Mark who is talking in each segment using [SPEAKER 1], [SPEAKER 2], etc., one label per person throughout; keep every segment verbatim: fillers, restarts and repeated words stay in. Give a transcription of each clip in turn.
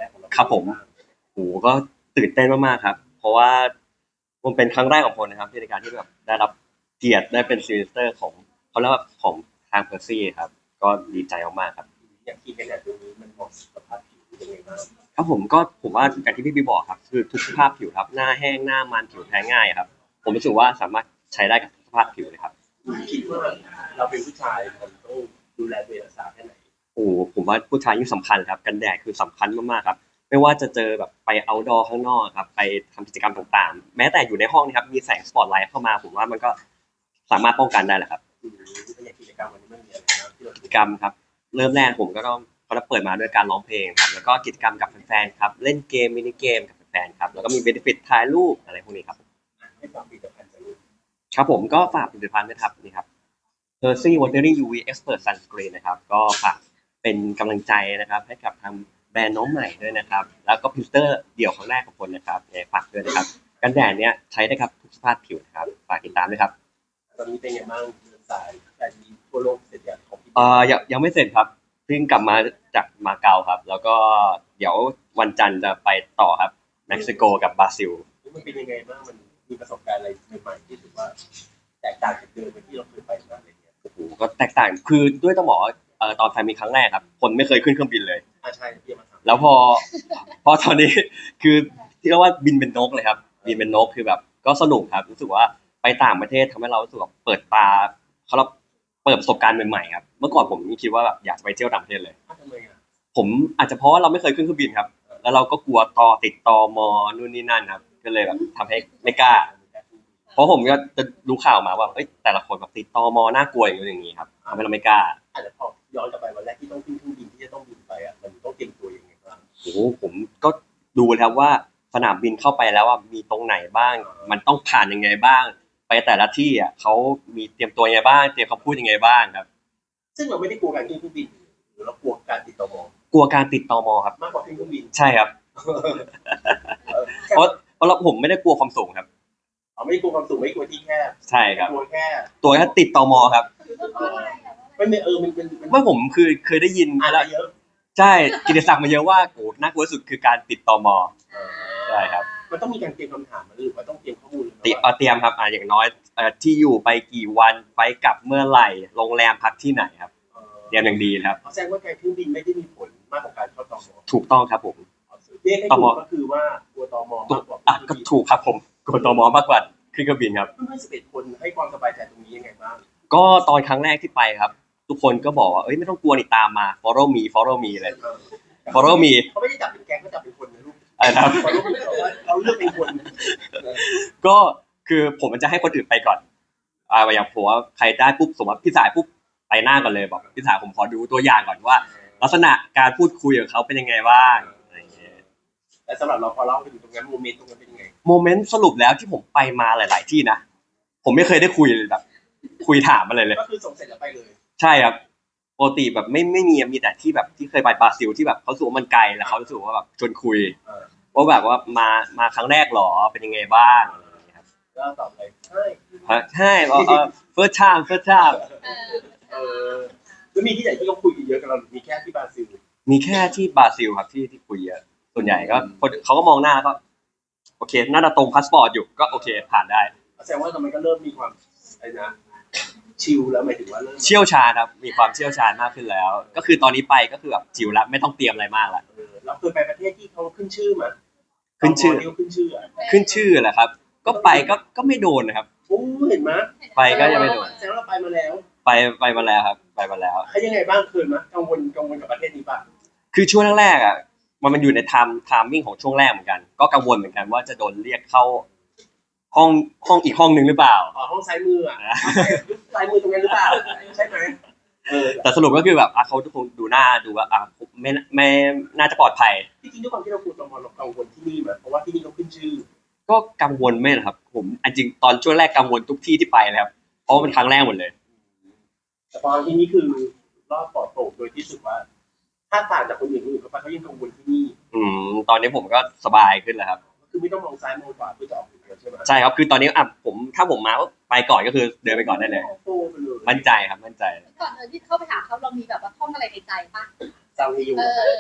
[SPEAKER 1] รกของเรา
[SPEAKER 2] ครับผมโอ้ก็ตื่นเต้นมากๆครับเพราะว่ามันเป็นครั้งแรกของผมนะครับที่ในการที่แบบได้รับเกียรติได้เป็นซีนิสเตอร์ของเขาเรียกว่าของทางเพอร์ซี่ครับก็ดีใจมากๆครับ
[SPEAKER 1] อย่างที่เป็นแบบนี้มันเหมาะสภาพผิวยังไงบ้าง
[SPEAKER 2] ครับผมก็ผมว่าอย่างที่พี่บีบอกครับคือทุกสภาพผิวครับหน้าแห้งหน้ามันผิวแพ้ง่ายครับผมรู้สึกว่าสามารถใช้ได้กับทุกสภาพผิวเลยครับ
[SPEAKER 1] คิดว่าเราเป็นผู้ชายผมต้องดูแลตัวเองรักษาแค่ไหน
[SPEAKER 2] โอ้ผมว่าผู้ชายยิ่งสำคัญครับกันแดดคือสำคัญมากๆครับไม่ว่าจะเจอแบบไป เอาท์ดอร์ ข้างนอกครับไปทำกิจกรรมต่างๆแม้แต่อยู่ในห้องนะครับมีแสงสปอตไลท์เข้ามาผมว่ามันก็สามารถป้องกันได้แหละครับ
[SPEAKER 1] เป็นอย่างกิจกรรมวันนี้มันมีอะไรบ้างที่เรา
[SPEAKER 2] กิจกรรมครับเริ่มแรกผมก็ต้องเขาจะเปิดมาด้วยการร้องเพลงครับแล้วก็กิจกรรมกับแฟนๆครับเล่นเกมมินิเกมกับแฟนๆครับแล้วก็มีเบนฟิตถ่ายรูปอะไรพวกนี้ครับ
[SPEAKER 1] ให้ความผลิตภัณฑ์จะรู้
[SPEAKER 2] ครับผมก็ฝากผลิตภัณฑ์นะครับนี่ครับ Percy Watering ยู วี Expert Sunscreen นะครับก็ฝากเป็นกำลังใจนะครับให้กับทางแบรนด์น้องใหม่ด้วยนะครับแล้วก็พิลเตอร์เดี่ยวครั้งแรกของคนนะครับฝากด้วยนะครับกันแดดเนี้ยใช้ได้ครับทุกสภาพผิวนะครับฝากติดตามด้วยครับ
[SPEAKER 1] ตอนนี้เป็นไงบ้างเดินสายแต่ดีทั่วโลกเสร็จอย่างของพี่
[SPEAKER 2] เอ่อยังยังไม่เสร็จครับเพิ่งกลับมาจากมาเก๊าครับแล้วก็เดี๋ยววันจันทร์จะไปต่อครับเม็กซิโกกับบราซิล
[SPEAKER 1] มันเป็นยังไงบ้างมันมีประสบการณ์อะไรใหม่ๆที่ถือว่าแตกต่างจากเดิมที่เราเคยไปมาอะไรเงี้ย
[SPEAKER 2] โอ้โหก็แตกต่างคือด้วยต้องบอกว่าเอ่อตอนไทยมีครั้งแรกครับคนไม่เคยขึ้นเครื่องบินเลย
[SPEAKER 1] อ่าใช่พี่มาถาม
[SPEAKER 2] แล้วพอพอตอนนี้คือที่เรียกว่าบินเป็นนกเลยครับบินเป็นนกคือแบบก็สนุกครับรู้สึกว่าไปต่างประเทศทำให้เรารู้สึกว่าเปิดตาเขาเราเปิดประสบการณ์ใหม่ๆครับเมื่อก่อนผมคิดว่าแบบอยากจะไปเที่ยวต่างประเทศเลย
[SPEAKER 1] ทำไมอ่ะ
[SPEAKER 2] ผมอาจจะเพราะว่าเราไม่เคยขึ้นเครื่องบินครับแล้วเราก็กลัวตอติดตอมอนู่นนี่นั่นครับก็เลยแบบทำให้ไม่กล้าเพราะผมก็จะรู้ข่าวมาว่าเอ้ยแต่ละคนแบบติดตอมอน่ากลัวอย่างนี้อย่างนี้ครับทำให้เราไม่กล้า
[SPEAKER 1] อาจจะพอย้อนกลับไปวันแรกที่ต้องขึ้นเครื่องบินที่จะต้องบินไปอ่ะมันต้องเตรียมตัวยังไงบ้าง
[SPEAKER 2] โอ้โหผมก็ดูแล้วว่าสนามบินเข้าไปแล้วว่ามีตรงไหนบ้างมันต้องผ่านยังไงบ้างไปแต่ละที่อ่ะเขามีเตรียมตัวยังไงบ้างเตรียมคำพูดยังไงบ้างครับ
[SPEAKER 1] ซึ่งเราไม่ได้กลัวการขึ้นเครื่องบินหรือเรากลัวการติดต่อม
[SPEAKER 2] กลัวการติดตมครับ
[SPEAKER 1] มากกว่าขึ้นเครื่องบิน
[SPEAKER 2] ใช่ครับเพราะเพราะเราผมไม่ได้กลัวความสูงครับ
[SPEAKER 1] อ๋อไม่กลัวความสูงไม่กลัวที่แคบ
[SPEAKER 2] ใช่ครับ
[SPEAKER 1] กลัวแค่
[SPEAKER 2] ตัวแค่ติดตมครับ
[SPEAKER 1] ไม่ไม่เออมันเป็น
[SPEAKER 2] เมื่อผมคือเคยได้ยิน
[SPEAKER 1] อ่าน
[SPEAKER 2] แล้ว
[SPEAKER 1] เยอะ
[SPEAKER 2] ใช่กิตติศักดิ์มาเยอะว่าโอ้น่ากลัวสุดคือการติดตมใช่ครับ
[SPEAKER 1] มันต้องมีการเตรียมคำถามหรือว่าต้องเตรียมข้อมูล
[SPEAKER 2] ติเตรียมครับอ่าอย่างน้อยเอ่อที่อยู่ไปกี่วันไปกลับเมื่อไหร่โรงแรมพักที่ไหนครับเตรียมอย่างดีครับ
[SPEAKER 1] แสดงว่าการขึ้นบินไม่ได้มีผลมากกว่าการเข้าตม
[SPEAKER 2] ถูกต้องครับผม
[SPEAKER 1] เรียกให้ถูกก็คือว่ากลัวตมมากกว่า
[SPEAKER 2] อ่ะก็ถูกครับผมกลัวตมมากกว่าขึ้นเครื่องบินครับ
[SPEAKER 1] เพื่อนสิบเอ็ดคนให้ความสบายใจตรงนี้ยังไงบ้าง
[SPEAKER 2] ก็ตอนครั้งแรกที่ไปครับทุกคนก็บอกว่าเอ้ยไม่ต้องกลัวนี่ตามมา follow me follow me เลย follow me
[SPEAKER 1] เขาไม่ได้จับเป็นแก๊งเขาจับเป็นคนนะลูก
[SPEAKER 2] อะไรครับ
[SPEAKER 1] เขาเลือกเป็นคน
[SPEAKER 2] ก็คือผมมันจะให้คนอื่นไปก่อนอ่าอย่างผมว่าใครได้ปุ๊บสมมติพี่สายปุ๊บไปหน้าก่อนเลยบอกพี่สายผมขอดูตัวอย่างก่อนว่าลักษณะการพูดคุยของเขาเป็นยังไงบ้างอะไรอย่างเงี้ย
[SPEAKER 1] และสำหรับเราพอเล่าไปถึงตรงนั้นโมเมนต์ตรงนั้นเป็นยังไง
[SPEAKER 2] โมเมนต์สรุปแล้วที่ผมไปมาหลาย ๆ ที่นะผมไม่เคยได้คุยเลยแบบคุยถามอะไรเลย
[SPEAKER 1] ก็คือส่งเสร็จแล้วไปเลย
[SPEAKER 2] ใช่ครับปกติแบบไม่ไม่มีมีแต่ที่แบบที่เคยไปบราซิลที่แบบเขาสูว่ามันไกลแล้วเขาสูว่าแบบชวนคุยว่าแบบว่ามามาครั้งแรกหรอเป็นยังไงบ้าง
[SPEAKER 1] แล้วตอบเลยใช่
[SPEAKER 2] ใช่เออ first time first time
[SPEAKER 1] เออแล้วมีที่ไหนที่เขาคุยกันเยอะกับเรามีแค่ที่บราซิล
[SPEAKER 2] มีแค่ที่บราซิลครับที่ที่คุยเยอะส่วนใหญ่ก็คนเขาก็มองหน้าก็โอเคน่าจะตรงพาสปอร์ตอยู่ก็โอเคผ่านได้
[SPEAKER 1] แสดงว่าทำไมก็เริ่มมีความอะไรนะชิลแล้วหมายถึงว่าเริ่ม
[SPEAKER 2] เชี่ยวชาญครับมีความเชี่ยวชาญมากขึ้นแล้วก็คือตอนนี้ไปก็คือแบบชิลแล้วไม่ต้องเตรียมอะไรมากแล้ว
[SPEAKER 1] เราเคยไปประเทศที่เขาขึ้นชื่อมา
[SPEAKER 2] ขึ้นชื่อ
[SPEAKER 1] ขึ้นชื่อ
[SPEAKER 2] ขึ้นชื่อแหละครับก็ไปก็ก็ไม่โดนนะครับ
[SPEAKER 1] โอ้เห็นไหม
[SPEAKER 2] ไปก็ยังไม่โดน
[SPEAKER 1] แสดงว่าเราไปมาแล้ว
[SPEAKER 2] ไปไปมาแล้วครับไปมาแล้ว
[SPEAKER 1] เขายังไงบ้างเคยมั้ยกังวลกังวลกับประเทศนี้ป่ะ
[SPEAKER 2] คือช่วงแรกๆอ่ะมันมันอยู่ในไทม์ไทมิ่งของช่วงแรกเหมือนกันก็กังวลเหมือนกันว่าจะโดนเรียกเข้าห้องห้องอีกห้องนึงหรือเปล่า
[SPEAKER 1] อ๋อห้องซ้ายมืออ่ะซ้ายมือตรงนั้นหรือเปล่าใช่ไหม
[SPEAKER 2] เออแต่สรุปก็คือแบบอ่ะเขาทุกคนดูหน้าดูว่าอ่ะไม่ไม่น่าจะปลอดภัย
[SPEAKER 1] จริงๆด้วยความที่เรากลัวตมเรากังวลที่นี่มั้ยเพราะว่าที่นี่เขาขึ้นชื่อ
[SPEAKER 2] ก็กังวลไม่หรอกครับผมจริงตอนช่วงแรกกังวลทุกที่ที่ไปเลยครับเพราะว่าเป็นครั้งแรกหมดเลย
[SPEAKER 1] แต่ตอนที่นี่คือรอบปลอดโปร่งโดยที่สุดว่าถ้าต่างจากคนอื่นคนอื่นเขาไปเขายังกังวลที่นี่
[SPEAKER 2] อืมตอนนี้ผมก็สบายขึ้นแล้วครับ
[SPEAKER 1] คือไม่ต้องมองซ้ายมองขวาเพื่อจะออกใช่ไหม
[SPEAKER 2] ใช่ครับคือตอนนี้อ่ะผมถ้าผมมาไปก่อนก็คือเดินไปก่อนได้เลยมั่นใจครับมั่นใจ
[SPEAKER 3] ก่อนเดินที่เข้าไปหาเขาเรามีแบบว่าท่องอะไรในใจป่ะ
[SPEAKER 1] ซาวีอยู่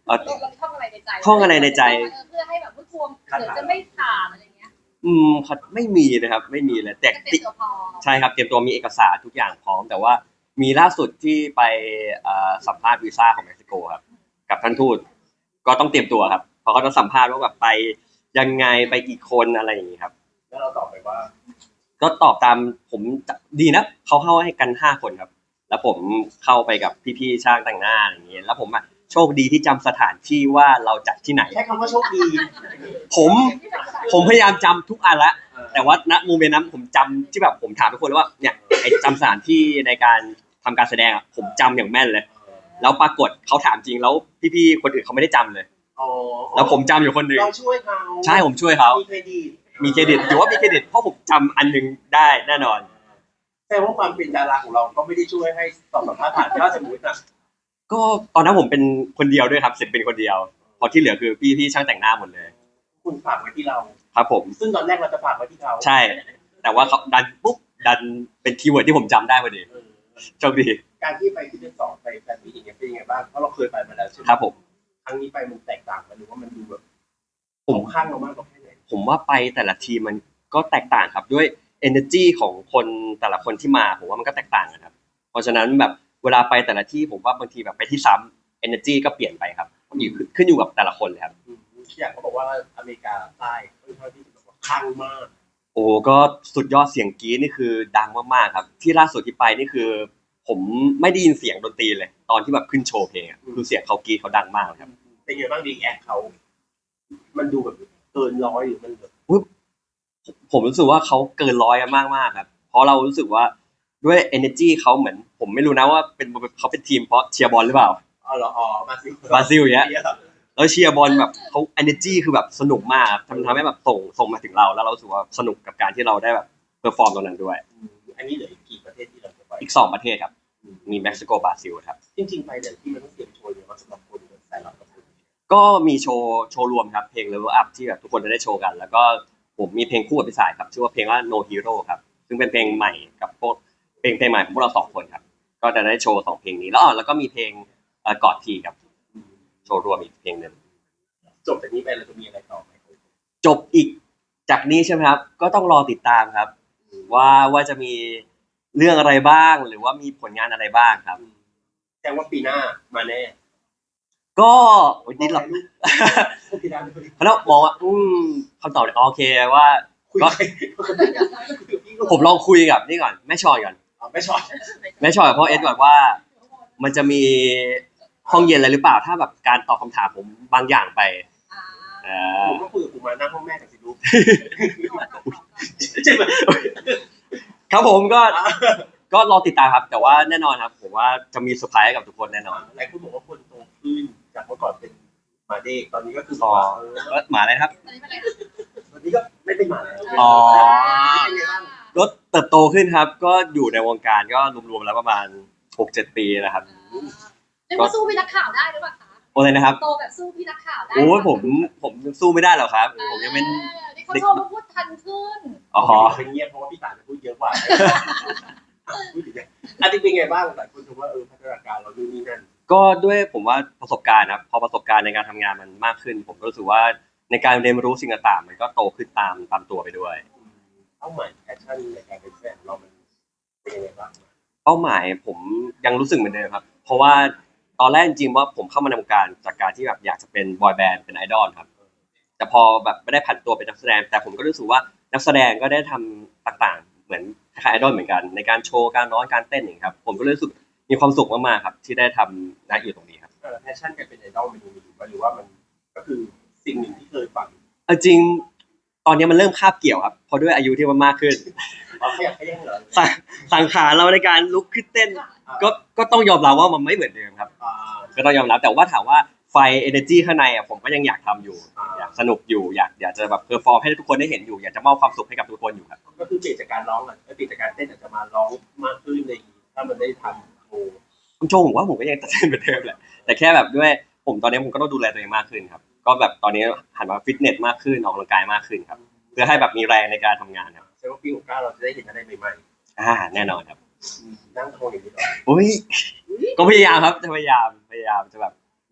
[SPEAKER 2] เอ่อ
[SPEAKER 3] เราท่องอะไรในใจ
[SPEAKER 2] ท่องอะไรในใจ
[SPEAKER 3] เพื่อให้แบบผู้ชมเดี๋ยวจะไม่ผ่านอะไรเงี้ย
[SPEAKER 2] อืมครับไม่มีนะครับไม่มีเลยแต่
[SPEAKER 3] จะเตรียมตัวพอ
[SPEAKER 2] ใช่ครับเตรียมตัวมีเอกสารทุกอย่างพร้อมแต่ว่ามีล่าสุดที่ไปเอ่อสัมภาษณ์วีซ่าของเม็กซิโกครับกับท่านทูตก็ต้องเตรียมตัวครับเพราะเขาจะสัมภาษณ์ว่าแบบไปยังไงไปกี่คนอะไรอย่างนี้ครับ
[SPEAKER 1] แล้วเราตอบไปว่า
[SPEAKER 2] ก็ตอบตามผมดีนะเขาเข้าให้กันห้าคนครับ แล้วผมเข้าไปกับพี่ๆช่างแต่งหน้าอย่างเงี้ยแล้วผมอ่ะโชคดีที่จำสถานที่ว่าเราจัดที่ไหน
[SPEAKER 1] ใช้คำว่าโชคดี
[SPEAKER 2] ผมผมพยายามจำทุกอันละแต่ว่าณโมเมนต์นั้นผมจำที่แบบผมถามทุกคนเลยว่าเนี่ยไอ้จำสถานที่ในการทำการแสดงอะผมจำอย่างแม่นเลย แล้วปรากฏเขาถามจริงแล้วพี่ๆคนอื่นเขาไม่ได้จำเลย
[SPEAKER 1] อ๋อ
[SPEAKER 2] แล้วผมจำอยู่คนหนึ่ง
[SPEAKER 1] เราช่วยเขา
[SPEAKER 2] ใช่ผมช่วยเขา
[SPEAKER 1] มีเครดิต
[SPEAKER 2] มีเครดิตถือว่ามีเครดิตเพราะผมจำอันหนึงได้แน่นอน
[SPEAKER 1] แต่ว่าความเป็นดาราของเราก็ไม่ได้ช่วยให้ตอบสัมภาษณ์ผ่านถ้าสมมตินะ
[SPEAKER 2] ก็ตอนนั้นผมเป็นคนเดียวด้วยครับเสร็จเป็นคนเดียวพอที่เหลือคือพี่ที่ช่างแต่งหน้าหมดเลย
[SPEAKER 1] คุณฝากไว้ที่เรา
[SPEAKER 2] ครับผม
[SPEAKER 1] ซึ่งตอนแรกเราจะฝากไว้ที่เขา
[SPEAKER 2] ใช่ แต่ว่าเขาดันปุ๊บดันเป็นคีย์เวิร์ดที่ผมจำได้พอดี
[SPEAKER 1] เออ
[SPEAKER 2] โชคดี
[SPEAKER 1] การที่ไปที่เดือนสองไปแฟนมีตอย่างเงี้ยเป็นยังไงบ้างเพราะเราเคยไปมาแล้วใช่ไหม
[SPEAKER 2] ครับผม
[SPEAKER 1] ครั้งนี้ไปมันแตกต่างกันหรือว่ามันดูแบบ
[SPEAKER 2] ผม
[SPEAKER 1] ข้างเรามากกว่าแค่ไหน
[SPEAKER 2] ผมว่าไปแต่ละทีมมันก็แตกต่างครับด้วย energy ของคนแต่ละคนที่มาผมว่ามันก็แตกต่างกันครับเพราะฉะนั้นแบบเวลาไปแต่ละที่ผมว่าบางทีแบบไปที่ซ้ำ energy ก็เปลี่ยนไปครับอยู่ขึ้นอยู่กับแต่ละคนเลยครับ
[SPEAKER 1] อืมอย่างเขาบอกว่าอเมริกาใต้ค่อนข้างที่จะแบบว่าข้างมาก
[SPEAKER 2] โอ้ก็สุดยอดเสียงกรี๊ดนี่คือดังมากๆครับที่ล่าสุดที่ไปนี่คือ ผมไม่ได้ยินเสียงดนตรีเลย ตอนที่แบบขึ้นโชว์เพลงอะคือเสียงเขากรี๊ดเขาดังมากเลยครับ
[SPEAKER 1] เป็นไงบ้างดีแอคเขา มันดูแบบเกินร้อยหรือมันแบบ
[SPEAKER 2] ผมรู้สึกว่าเขาเกินร้อยมากมากๆครับ เพราะเรารู้สึกว่าด้วย energy เขาเหมือน ผมไม่รู้นะว่าเป็นเขาเป็นทีมเพราะเชียร์บอลหรือเปล่า
[SPEAKER 1] อ๋อเหรออ๋อบราซิล
[SPEAKER 2] บราซิลอย่างเงี้ย แล้วเชียร์บอลแบบเขา energy คือแบบสนุกมากครับทำทำให้แบบส่งส่งมาถึงเราแล้วเรารู้สึกว่าสนุกกับการที่เราได้แบบเพอร์ฟอร์มตรงนั้นด้วย
[SPEAKER 1] อืมอันนี้เหลืออีกกี่ประเทศที่เราจะไป
[SPEAKER 2] อีกสองประเทศครับมีเม็กซิโกบราซิลครับ
[SPEAKER 1] จริงๆไปแต่ที่มันต้องเตรียมโชว์เยอะมากสำหรับคนสายลับกับคน
[SPEAKER 2] ก็มีโชว์โชว์รวมครับเพลง Level Up ที่แบบทุกคนจะได้โชว์กัน แล้วก็ผมมีเพลงคู่กับพี่สายครับชื่อว่าเพลงว่า No Hero ครับซึ่งเป็นเพลงใหม่กับพวกเพลงเพลงใหม่ของพวกเราสองคนครับก็จะได้โชว์สองเพลงนี้แล้วอ๋อแล้วก็มีเพลงเอ่อกอดทีครับโชว์รวมอีกเพลงหนึ่ง
[SPEAKER 1] จบจากนี้ไปเราจะมีอะไรต่อไหม
[SPEAKER 2] จบอีกจากนี้ใช่ไหมครับก็ต้องรอติดตามครับ ว่าว่าจะมีเรื่องอะไรบ้างหรือว่ามีผลงานอะไรบ้างครับ
[SPEAKER 1] แสดงว่าปีหน้ามาแน่
[SPEAKER 2] ก็โอ้ยนิดหรอก
[SPEAKER 1] ปีหน้าคุย
[SPEAKER 2] เพราะเรามองว่าอืมคำตอบเนี่ยโอเคว่า ก็
[SPEAKER 1] กับพี่
[SPEAKER 2] ผมลองคุยกับนี่ก่อนแม่ชอยก่อน
[SPEAKER 1] อ๋อไม่ชอบ
[SPEAKER 2] แม่ชอยกับพ่อเอ็ดก่อนว่า มันจะมีห้องเย็นอะไรหรือเปล่าถ้าแบบการตอบคำถามผมบางอย่างไปเออ
[SPEAKER 1] ผมก็คุยกับกูมานั่งห้องแม่กับสิลูกใช่ไหม
[SPEAKER 2] ครับผมก็ก็รอติดตามครับ แต่ว่าแน่นอนครับผมว่าจะมีเซอร์ไพรส์ให้กับทุกคนแน่นอน
[SPEAKER 1] หลายคนบอกว่าคนโตขึ้นจากเมื่อก่อนเป็นหมาเด็กตอนนี้ก็คือ
[SPEAKER 2] อ๋อ
[SPEAKER 1] ว่า
[SPEAKER 2] เอ้ยหมาอะไรนะครับ
[SPEAKER 1] ตอนนี้ก็ไม่เป็นหมาแล้ว
[SPEAKER 2] อ๋อ
[SPEAKER 1] เป็นไงบ้าง
[SPEAKER 2] ก็เติบโตขึ้นครับ ก็อยู่ในวงการก็รวมๆแล้วประมาณหกเจ็ดปีนะครับ
[SPEAKER 3] จะมาสู้พี่นักข่าวได้หรือเปล่าคะ
[SPEAKER 2] โอ้เลยนะครับ
[SPEAKER 3] โตแบบสู้พี่นักข่าวได้
[SPEAKER 2] โอ้ยผมผมสู้ไม่ได้หรอกครับ ผมยังเป็น
[SPEAKER 3] นี่เขาชมว่าพูดทันขึ้น
[SPEAKER 2] อ๋อ
[SPEAKER 1] เป็นเงียบเพราะว่าพี่ตาจะพูดเยอะกว่าพูดอย่างเงี้ยอันนี้เป็นไงบ้างหลายคนชมว่าเออพัฒนาการเราดูนนี่นั่น
[SPEAKER 2] ก็ด้วยผมว่าประสบการณ์ครับพอประสบการณ์ในการทำงานมันมากขึ้น ผมก็รู้สึกว่าในการเรียนรู้สิ่งต่างๆมันก็โตขึ้นตามตามตัวไปด้วย
[SPEAKER 1] เป้าหมายแพชชั่นในการเป็นแฟนเรามันเป็นยังไงบ้าง
[SPEAKER 2] เป้าหมายผมยังรู้สึกเหมือนเดิมครับ เพราะว่าตอนแรกจริงๆว่าผมเข้ามาในวงการจากการที่แบบอยากจะเป็นบอยแบนด์เป็นไอดอลครับ แต่พอแบบไม่ได้ผันตัวเป็นนักแสดง แต่ผมก็รู้สึกว่านักแสดงก็ได้ทำต่างๆ เหมือนคล้ายๆไอดอลเหมือนกันในการโชว์การร้องการเต้นอย่างเงี้ยครับผมก็รู้สึกมีความสุขมากๆครับที่ได้ทำณอยู่ตรงนี้ครับ
[SPEAKER 1] เออแพชชั่นการเป็นไอดอลมันยังมีอยู่ปะหรือว่ามันก็คือสิ่งหนึ่งที่เคยฝัน
[SPEAKER 2] เอาจริงตอนนี้มันเริ่มคาบเกี่ยวครับเพราะด้วยอายุที่มันมากขึ้น
[SPEAKER 1] อ๋อขยับขยันเหรอ
[SPEAKER 2] สังสังขารเราในการลุกขึ้นเต้น ก็ก็ต้องยอมรับว่ามันไม่เหมือนเดิมครับ
[SPEAKER 1] อ่า
[SPEAKER 2] ก็ต้องยอมรับแต่ว่าถามว่าไฟ energy ข้างในอ่ะผมก็ยังอยากทำอยู่ อยากสนุกอยู่อยากอยากจะแบบเพอร์ฟอร์มให้ทุกคนได้เห็นอยู่อยากจะมอบความสุขให้กับทุกคนอยู่ครับ
[SPEAKER 1] ก็คือเปลี่ยนจากการร้องอ่ะเปลี่ยนจากการเต้นอาจจะมาร้องมากขึ้นในถ้ามันได้ทำโชว์
[SPEAKER 2] คุณโจผมว่าผมก็ยังตัดเส้นเหมือนเดิมแหละแต่แค่แบบด้วยผมตอนนี้ผมก็ต้องดูแลตัวเองมากขึ้นครับก็แบบตอนนี้หันมาฟิตเนสมากขึ้นออกกำลังกายมากขึ้นครับเพื่อให้แบบมีแรงในการทำงานครับ
[SPEAKER 1] แสดงว่าปีหกเก้าเราจะได้เห็นอะไรใหม่
[SPEAKER 2] อ่าแน่นอนครับ
[SPEAKER 1] ๆนั่งโชว์อย่างนี้เหรอ
[SPEAKER 2] อุ้ยก็พยายามครับจะพยายามพยายามจะแบบ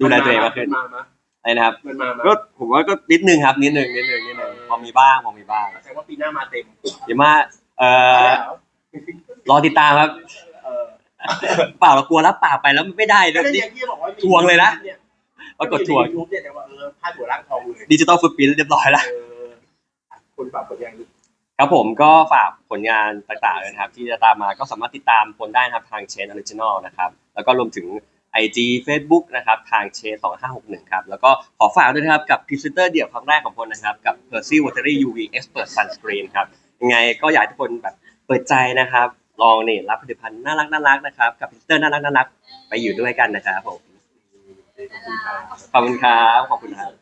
[SPEAKER 2] ดูแลตัวเองมากขึ้น
[SPEAKER 1] มามา
[SPEAKER 2] อะไรนะครับ
[SPEAKER 1] มันมามา
[SPEAKER 2] ก็ผมว่าก็นิดนึงครับนิดนึงนิดนึงนิดนึงพอมีบ้างพอมีบ้าง
[SPEAKER 1] แสดงว่าปีหน้ามาเต็ม
[SPEAKER 2] เดี๋ยวมาเอ่อรอติดตามครับ
[SPEAKER 1] เออ
[SPEAKER 2] เปล่าเรากลัวรับปากไปแล้วมันไม่ได้
[SPEAKER 1] ก็
[SPEAKER 2] เดี๋ยว
[SPEAKER 1] ได้
[SPEAKER 2] นี้
[SPEAKER 1] ยังที่บอกว่า
[SPEAKER 2] ทวงเลยนะ ปรากฏทวง
[SPEAKER 1] ยูทูบเนี่ยแต่ว่าเออพาดหัวร่างทองเลย
[SPEAKER 2] ดิจิตอลฟุตพิ้นเรียบร้อยแล้ว
[SPEAKER 1] เออคนฝากผลงาน
[SPEAKER 2] ครับผมก็ฝากผลงานต่างๆเลยนะครับที่จะตามมาก็สามารถติดตามผลได้นะครับทางเชนออริจินอลนะครับแล้วก็รวมถึง ไอ จี Facebook นะครับทางเชนสองห้าหกหนึ่งครับแล้วก็ขอฝากด้วยนะครับกับพรีเซนเตอร์เดี่ยวครั้งแรกของพลนะครับกับ Percy Watery ยู วี Expert Sunscreen ครับยังไงก็อยากให้ทุกคนแบบเปิดใจนะครับลองนี่รับผลิตภัณฑ์น่ารักน่ารักนะครับกับพรีเซนเตอร์น่ารักน่ารักไปอยู่ด้วยกันนะครับผม
[SPEAKER 3] น่ารัก
[SPEAKER 2] ขอบคุณครับขอบคุณครับ